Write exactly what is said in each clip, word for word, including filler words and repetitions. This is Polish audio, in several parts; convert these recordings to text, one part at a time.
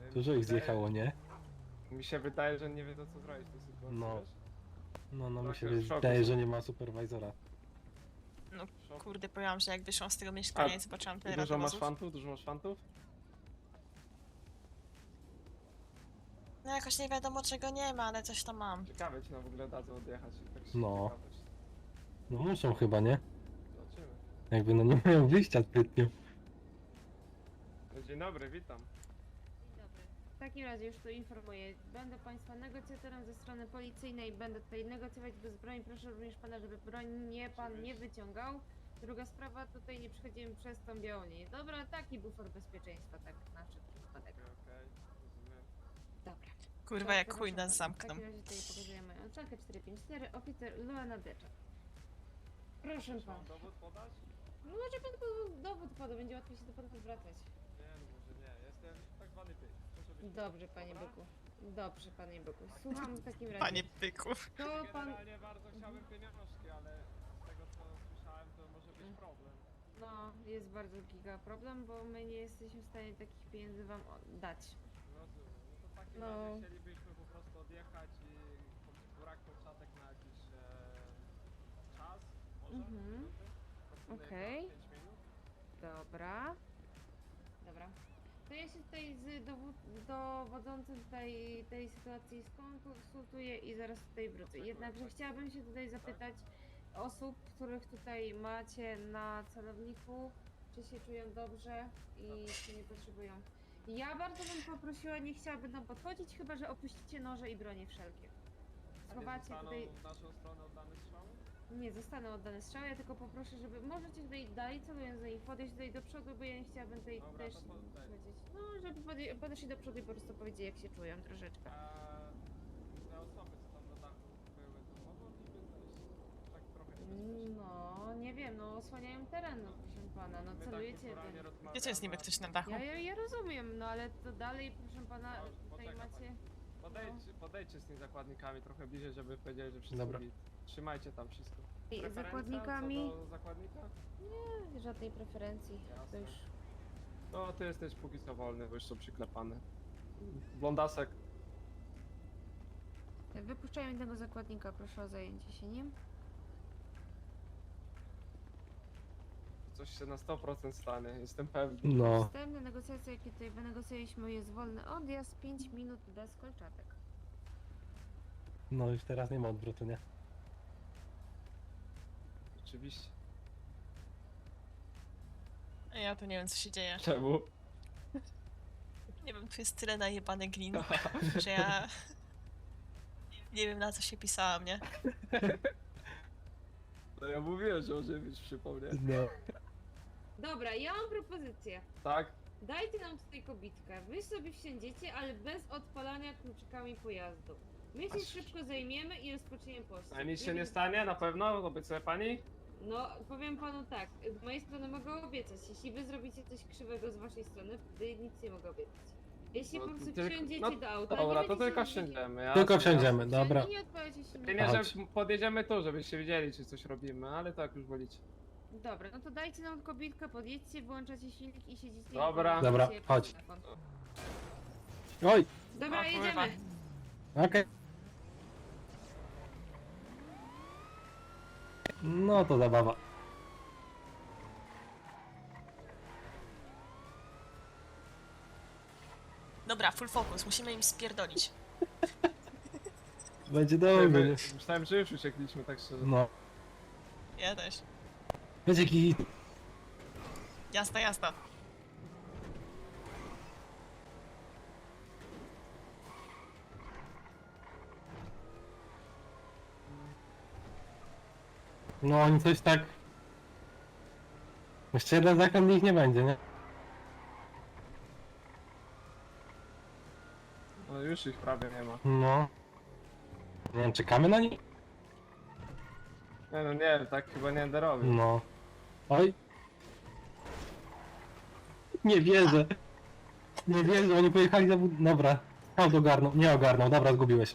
mi Dużo się ich wydaje- zjechało, nie? Mi się wydaje, że nie wiedzą co zrobić w tej sytuacji. No. wiesz? No, no mi Trochę się w szoku wydaje, są. że nie ma superwajzora. No W szoku. kurde, powiem, że jak wyszłam z tego mieszkania i zobaczyłam tyle Dużo masz radowozów. fantów? Dużo masz fantów? No jakoś nie wiadomo czego nie ma, ale coś tam mam. Ciekawe ci nam w ogóle dadzą odjechać. Tak się No. ciekawość. No muszą chyba, nie? Zobaczymy. Jakby no nie mają wyjścia zbytnio. No, dzień dobry, witam. Dzień dobry. W takim razie już tu informuję. Będę Państwa negocjatorem ze strony policyjnej. Będę tutaj negocjować bez broni. Proszę również Pana, żeby broń nie Pan nie wyciągał. Druga sprawa, tutaj nie przechodzimy przez tą białą linię. Dobra, taki bufor bezpieczeństwa, tak na szybki wypadek. Okej, okej, rozumiem. Dobra. Kurwa, To jak proszę chuj nas bardzo. zamkną. W takim razie tutaj pokazuję moją oczankę cztery pięć cztery, oficer Luana Decza. Proszę Chcesz Pana. mam dowód podać? No może Pan po- dowód poda, będzie łatwiej się do Pana zwracać. Nie, no może nie. Jestem tak zwany pyk. Proszę być Dobrze, Panie Dobra? Byku. Dobrze, Panie Byku. Słucham w takim razie. Panie byku. To Pan... Generalnie bardzo chciałbym pieniążki, ale z tego co słyszałem to może być Mm. problem. No, jest bardzo giga problem, bo my nie jesteśmy w stanie takich pieniędzy wam o- dać. Rozumiem. No to w takim No. razie chcielibyśmy po prostu odjechać i po- brak początek na jakiś e, czas, może? Mhm. Minuty? Powiedzmy Okej. na pięć minut? Dobra. Dobra. To ja się tutaj z dowód- dowodzącym tutaj tej sytuacji skonsultuję i zaraz tutaj wrócę. Jednakże chciałabym się tutaj zapytać osób, których tutaj macie na celowniku, czy się czują dobrze i czy nie potrzebują. Ja bardzo bym poprosiła, nie chciałabym tam podchodzić, chyba że opuścicie noże i bronie wszelkie. A nie Schowacie zostaną tutaj... w naszą stronę oddane strzały? Nie zostaną oddane strzały, ja tylko poproszę, żeby możecie tutaj dalej celując za nich podejść tutaj do przodu, bo ja nie chciałabym tutaj Dobra, też to po- daj. powiedzieć. No, żeby podej- podeszli do przodu i po prostu powiedzieć jak się czują troszeczkę. A te osoby co tam na dachu były, to mogą niby zejść? Tak trochę niebezpiecznie. No, nie wiem, no osłaniają teren, no proszę pana, no My tak celujecie kulturalnie ten. rozmawiamy, Wiecie, jest niby a- ktoś na dachu. Ja, ja, ja rozumiem, no ale to dalej, proszę pana, Dobrze, tutaj poczeka macie... pani. Podejdźcie, podejdźcie z tymi zakładnikami trochę bliżej, żeby powiedzieli, że wszystko Dobra. git. Trzymajcie tam wszystko. I Preferencja zakładnikami? Co do zakładnika? Nie, żadnej preferencji, to Jasne. już... No, ty jesteś póki co wolny, bo już są przyklepane. Blondasek. Wypuszczają jednego zakładnika, proszę o zajęcie się nim. Coś się na sto procent stanie, jestem pewny. No. Następne negocjacje, jakie tutaj wynegocjowaliśmy, jest wolny odjazd, pięć minut bez kolczatek. No już teraz nie ma odwrotu, nie? Oczywiście. A ja to nie wiem co się dzieje. Czemu? Nie wiem, tu jest tyle najebany glin, że ja... Nie wiem na co się pisałam, nie? No ja mówiłem, że może być przypomnieć. No. Dobra, ja mam propozycję. Tak? Dajcie nam tutaj kobitkę. Wy sobie wsiądziecie, ale bez odpalania kluczykami pojazdu. My się Aż- szybko zajmiemy i rozpoczniemy pościg. A nic się Nie nie wiem- stanie, na pewno? Obiecuje pani? No, powiem panu tak. Z mojej strony mogę obiecać. Jeśli wy zrobicie coś krzywego z waszej strony, wtedy nic nie mogę obiecać. Jeśli No, po prostu tylko- wsiądziecie no, do auta, Dobra, nie to będziecie tylko mówić- wsiądziemy. Ja Tylko wsiądziemy, dobra. Nie odpalacie się. Nie, Chodź. że podjedziemy tu, żebyście wiedzieli, czy coś robimy, ale tak już wolicie. Dobra, no to dajcie nam kobitkę, podjedźcie, włączacie silnik i siedzicie. i Dobra. rozmawiacie Dobra, przez chodź. telefon. Oj! Dobra, O, kurwa. jedziemy. Okej. No to zabawa. Dobra, full focus, musimy im spierdolić. Będzie dobrze, My, nie? myślałem, że już uciekliśmy, tak szczerze. No. Ja też. Będzie git. Jasna, jasna. No oni coś tak... Jeszcze jeden zakręt ich nie będzie, nie? No już ich prawie nie ma. No. Nie wiem, czekamy na nich? Nie no nie, tak chyba nie będę robił. No. Oj. Nie wierzę. Nie wierzę, oni pojechali za bud... Dobra. Aut ogarnął, nie ogarnął, dobra, zgubiłeś.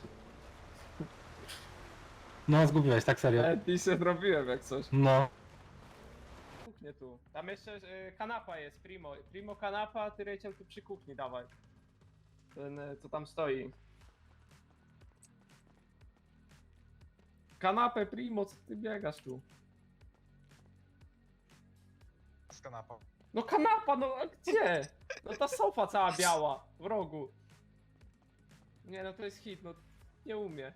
No, zgubiłeś, tak serio. E, pisem robiłem jak coś. No. Kuchnię tu. Tam jeszcze y, kanapa jest, primo. Primo kanapa, ty Rachel tu przy kuchni, dawaj. Ten, e, co tam stoi. Kanapę, primo, co ty biegasz tu? Z kanapą. No kanapa, no a gdzie? No ta sofa cała biała, w rogu. Nie no, to jest hit, no nie umie.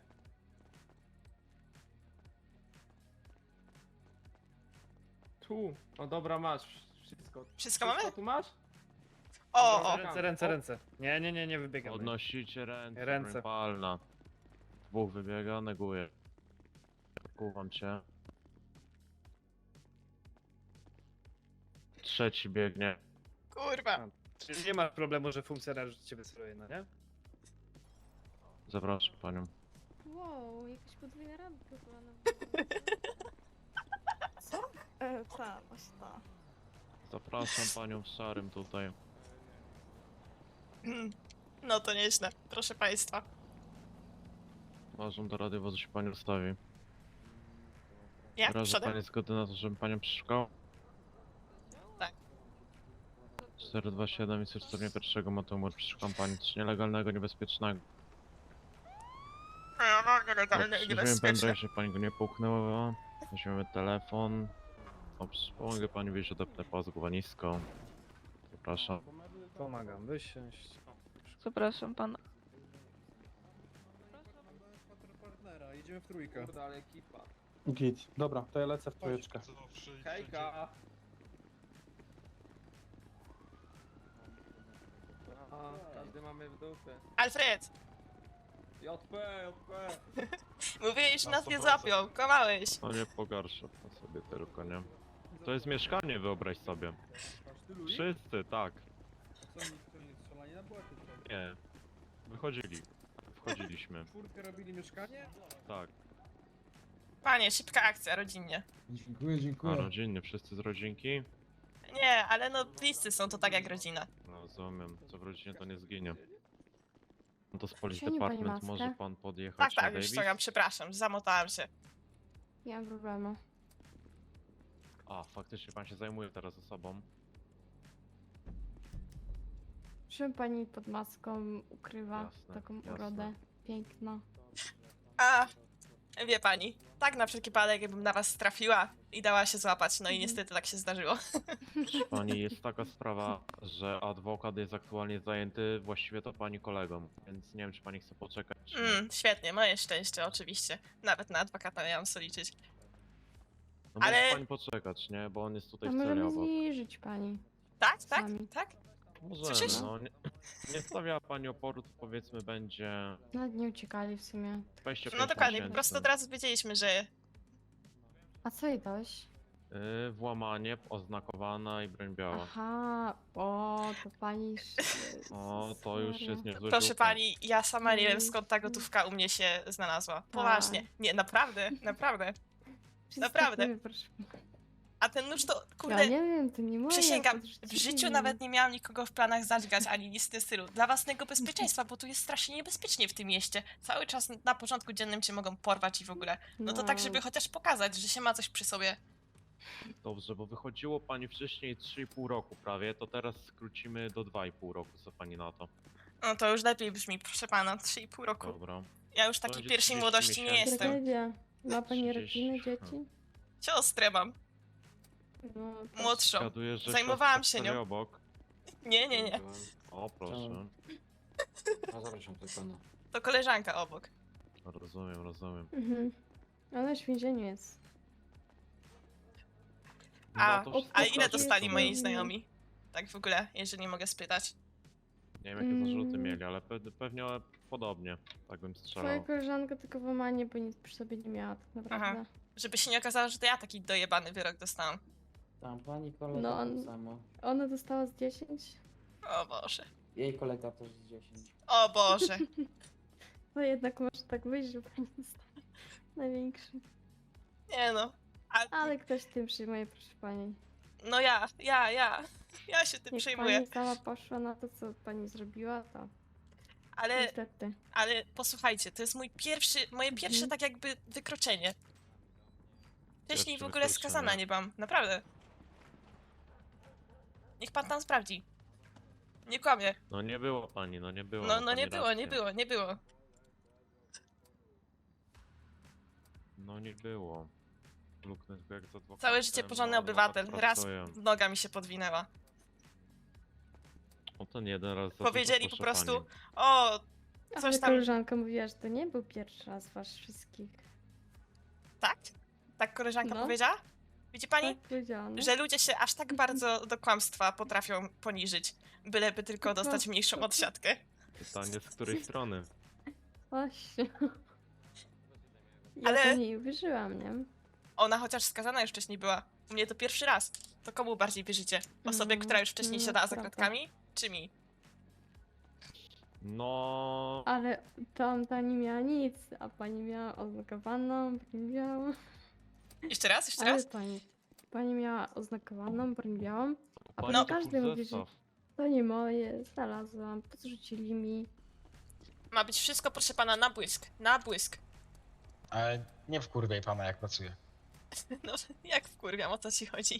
Tu, no dobra, masz wszystko. Wszystko mamy? tu masz? O, Dobra, o. dobra. Ręce, ręce, ręce. Nie, nie, nie, nie wybiegamy. Podnosicie ręce, Ręce. broń palna. Dwóch wybiega, neguję. Kuwam cię. Trzeci biegnie. Kurwa. Czyli nie ma problemu, że funkcjonariusz cię wystruje, no nie? Zapraszam panią. Wow, jakaś podwójna randka była na Co? E, ta, właśnie ta. Zapraszam panią w szarym tutaj. No to nieźle, proszę państwa. Uważam do radiowozu się pani ustawi. Jak? Wyraża Przodem? pani zgodę na to, żebym panią przeszukał? Tak. cztery dwa siedem i stopnia pierwszego motoru przeszukam pani coś nielegalnego, niebezpiecznego. A ja mam nielegalne i Weźmiemy niebezpieczne. pendrive, żeby pani go nie połknęła. Weźmiemy telefon. Dobrze, pomogę pani wyjść, odepnę pas głowa nisko. Zapraszam. Pomagam, wysiąść. Przepraszam pana. Partnera, idziemy w trójkę. Kurde, ale ekipa. Git. Dobra, to ja lecę w trójeczkę. Hejka! A, każdy mamy w dupie. Alfred, J P, J P! mówiłeś, że Na nas nie sto procent. złapią, kłamałeś. No nie pogarszę to sobie tylko, nie? To jest mieszkanie, wyobraź sobie. Wszyscy, tak. Nie. Wychodzili. Wchodziliśmy. Czwórkę robili mieszkanie? Tak. Panie, szybka akcja, rodzinnie. Dziękuję, A dziękuję. rodzinnie, wszyscy z rodzinki? Nie, ale no bliscy są to tak jak rodzina. No rozumiem, co w rodzinie to nie zginie. No to z Police Ściągnij pani Department maskę? może pan podjechać Tak, na tak, już Davis? ściągam, przepraszam, zamotałam się. Nie mam problemu. A, faktycznie pan się zajmuje teraz osobą. Czym pani pod maską ukrywa Jasne, taką jasne. urodę? Piękna. A, wie pani, tak na wszelki wypadek, jakbym na was trafiła i dała się złapać, no i Mhm. niestety tak się zdarzyło. Proszę pani, jest taka sprawa, że adwokat jest aktualnie zajęty, właściwie to pani kolegą, więc nie wiem, czy pani chce poczekać, czy nie. Mm, świetnie, moje szczęście, oczywiście. Nawet na adwokata nie mam co liczyć. No ale- może pani poczekać, nie? Bo on jest tutaj A w celi możemy obok. zniżyć pani. Tak, tak, Sami. tak? Możemy, Słyszysz? no. Nie, nie stawiała pani oporu, to powiedzmy będzie Nawet nie uciekali w sumie. dwadzieścia pięć No dokładnie, po tysięcy. prostu od razu wiedzieliśmy, że A co jej dałeś? Yy, włamanie, oznakowana i broń biała. Aha, o, to pani... O, to już jest niezły proszę rzut. pani, ja sama nie wiem Mm. skąd ta gotówka u mnie się znalazła. Poważnie. Tak. Nie, naprawdę, naprawdę. naprawdę. Przestańmy, proszę. A ten nóż to, Ja kurde, nie wiem, to nie moje. przysięgam, to w rzeczywiście życiu nie nawet wiem. nie miałam nikogo w planach zadźgać, ani nic w tym stylu. Dla własnego bezpieczeństwa, bo tu jest strasznie niebezpiecznie w tym mieście. Cały czas na porządku dziennym cię mogą porwać i w ogóle. No to tak, żeby chociaż pokazać, że się ma coś przy sobie. Dobrze, bo wychodziło pani wcześniej trzy i pół roku prawie, to teraz skrócimy do dwa i pół roku, co pani na to? No to już lepiej brzmi, proszę pana, trzy i pół roku. Dobra. Ja już takiej będzie pierwszej trzydzieści młodości nie miesięcy. jestem. Tragedia. Ma pani trzydzieści. rodziny, dzieci? Siostrę mam, No, proszę. młodszą. Zgaduję, że Zajmowałam siostra się stoi nią. obok. Nie, nie, nie. O, proszę. A zapraszam do pana. To koleżanka obok. Rozumiem, rozumiem. Mhm. Ona już w więzieniu jest. A, No to a wszystko ile dobrze, dostali to moi wiem. znajomi? Tak w ogóle, jeżeli mogę spytać. Nie wiem jakie zarzuty Mm. mieli, ale pe pewnie podobnie, tak bym Twoja strzelał. koleżanka tylko włamanie, bo nic przy sobie nie miała tak naprawdę. Żeby się nie okazało, że to ja taki dojebany wyrok dostałam. Tam pani kolega No, no, on- to samo. Ona dostała z dziesięć. O Boże. Jej kolega też z dziesięć. O Boże. No jednak może tak być, że pani dostała największy. Nie no. A, Ale ktoś tym przyjmuje, proszę pani. no ja, ja, ja. Ja się tym Jak przejmuję. pani sama poszła na to, co pani zrobiła, to Ale, niestety. ale posłuchajcie, to jest mój pierwszy, moje pierwsze Mhm. tak jakby wykroczenie. Wcześniej w Pierwsze ogóle wykroczenie. skazana nie byłam, naprawdę. Niech pan tam sprawdzi. Nie kłamie. No nie było pani, no nie było. No, ma no pani nie było, rację. nie było, nie było. No nie było. Luknę tylko jak z adwokatem, Całe życie porządny no, obywatel. adwokat Raz pracuje. noga mi się podwinęła. O ten jeden raz za Powiedzieli dużo, po proszę prostu, pani. o, Ale coś tam, koleżanka mówiła, że to nie był pierwszy raz was wszystkich. tak? Tak koleżanka No. powiedziała? Widzi pani? Tak powiedziałam. Że ludzie się aż tak bardzo do kłamstwa potrafią poniżyć, byleby tylko Po dostać mniejszą prostu. odsiadkę. Pytanie z której strony? Właśnie. Ja Ale- Ale... to nie uwierzyłam, nie? Ona chociaż skazana już wcześniej była. U mnie to pierwszy raz. To komu bardziej wierzycie? Osobie, Mm, która już wcześniej no, siadała za prawda. kratkami? Czy mi? No... Ale tamta nie miała nic, a pani miała oznakowaną, pani białą. Jeszcze raz, jeszcze Ale raz? pani, pani miała oznakowaną, broń białą. A pani no. to każdy mówi, że zestaw. to nie moje, znalazłam, podrzucili mi. Ma być wszystko, proszę pana, na błysk. Na błysk. Ale nie wkurwiaj pana, jak pracuje. No, jak wkurwiam, o co ci chodzi?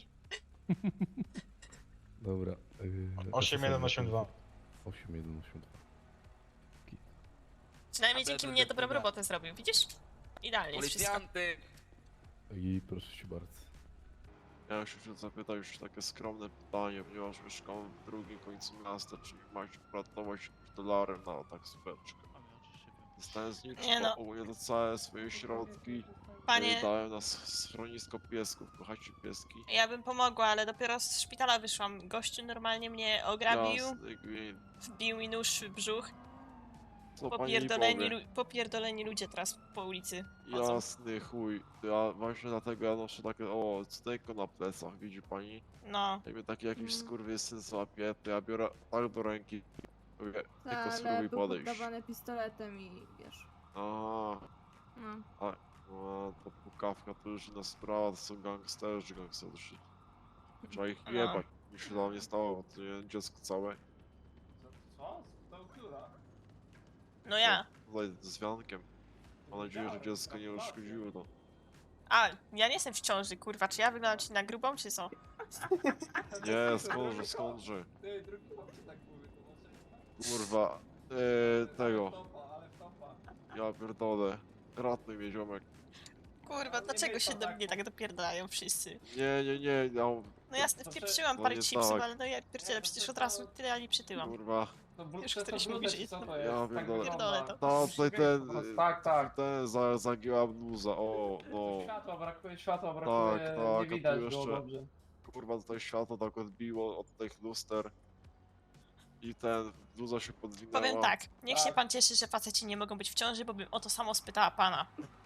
Dobra. Yy, osiem jeden osiem dwa. osiem jeden osiem dwa. Przynajmniej dzięki mnie dobrą robotę zrobił, widzisz? Idealnie jest wszystko. I proszę cię bardzo. Ja się chcę zapytać już takie skromne pytanie, ponieważ mieszkam w drugim końcu miasta, czy macie pracować dolarem na taksóweczkę? Dostałem z nich Nie no. ogólnie to całe swoje środki. Panie, y, Dałem na s- schronisko piesków, kochacie pieski. ja bym pomogła, ale dopiero z szpitala wyszłam. Gościu normalnie mnie ograbił, Jasny gwint. wbił mi nóż w brzuch. Co pani Popierdoleni, powie? lu- popierdoleni ludzie teraz po ulicy chodzą. Jasny chuj. Ja właśnie dlatego ja noszę takie, o, cudeńko na plecach, widzi pani? No, Jak mnie taki jakiś Mm. skurwysyn złapie, to ja biorę tak do ręki. Mówię, tylko Ale spróbuj był podejść. poddawany pistoletem i wiesz. Aha. No. No, to pukawka to już inna sprawa, to są gangsterzy, gangsterzy. Trzeba ich No. jebać. Mi się tam nie stało, bo to nie dziecko całe. Co? To która? no ja. Tutaj z wiankiem. Mam nadzieję, że dziecko nie uszkodziło, no. A, ja nie jestem w ciąży, kurwa, czy ja wyglądam ci na grubą, czy co? Nie, skądże, skądże. Ty, drugi chłopcy tak mówi, to znaczy... Kurwa, eee, tego. Topa, ale topa. Ja pierdolę. Ratuj mnie, ziomek. Kurwa, dlaczego się do mnie tak dopierdalają wszyscy? Nie, nie, nie, no, No jasne, To wpieprzyłam to parę nie chipsów, tak. ale no ja pierdzielę, przecież od razu tyle ani przytyłam. kurwa. To blu- Już to jest któryś to mówi, bluda, że czy jest co to- to Ja jest? Tak pierdolę. Pierdolę wygląda. to. No, tutaj ten, Tak, tak. ten za, zagięła bluza, o, no. Światła brakuje, światła brakuje, Tak, tak, a nie tu widać jeszcze- było dobrze. Kurwa, tutaj światło tak odbiło od tych luster. I ten, bluza się podwinęła. Powiem tak, niech się Tak. pan cieszy, że faceci nie mogą być w ciąży, bo bym o to samo spytała pana.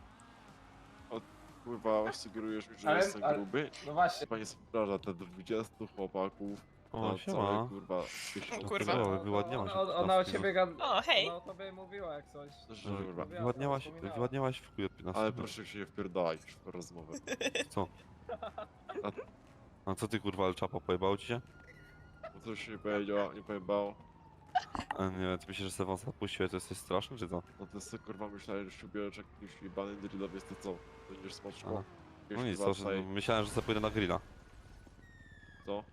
Kurwa, sugerujesz mi, że Ale- jestem ale- gruby? No właśnie. Pani sprawdza te dwudziestu chłopaków O, na całe, siema. kurwa, O, kurwa. No, wyładniała się. Ona, ona o ciebie gada... O, hej. Ona o tobie mówiła jak coś. Że, kurwa. Wyładniałaś, Wspominała. wyładniałaś w chuj od piętnastu. Ale proszę się nie wpierdalać w tę rozmowę. Co? A- A co ty kurwa, ale czapa pojebało ci się? Bo coś się nie powiedział, nie pojebało. A nie wiem, ty myślisz, że Sewon zapuścił, to jesteś straszny, czy co? No to sobie kurwa myślałem, że się ubierzesz jak jakiś jebany drillow, jest to co? Będziesz smaczko? No nic, to, że, Tutaj, myślałem, że sobie pójdę na grilla. co?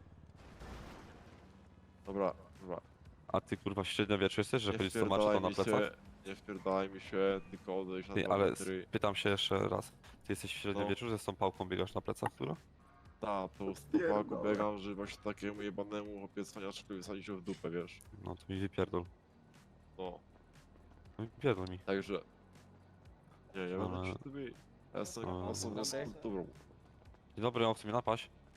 Dobra, dobra. A ty kurwa średniowieczu jesteś, że Nie chodzisz co maczy wpierdalaj tam na mi plecach? się, nie wpierdalaj mi się, tylko odejść na Ty, dwa ale metry. pytam się jeszcze raz. Ty jesteś w No. średniowieczu, że z tą pałką biegasz na plecach, która? Ta, po stopaku biegam, że właśnie takiemu jebanemu chłopie cwaniaczkowi wysadzić się w dupę, wiesz? No to mi wypierdol. No, No wypierdol mi. także... Nie, ja Ale- będę przy tym. Ja jestem Ale- osobą z Okej. kulturą. Dzień dobry, on chce mnie napaść.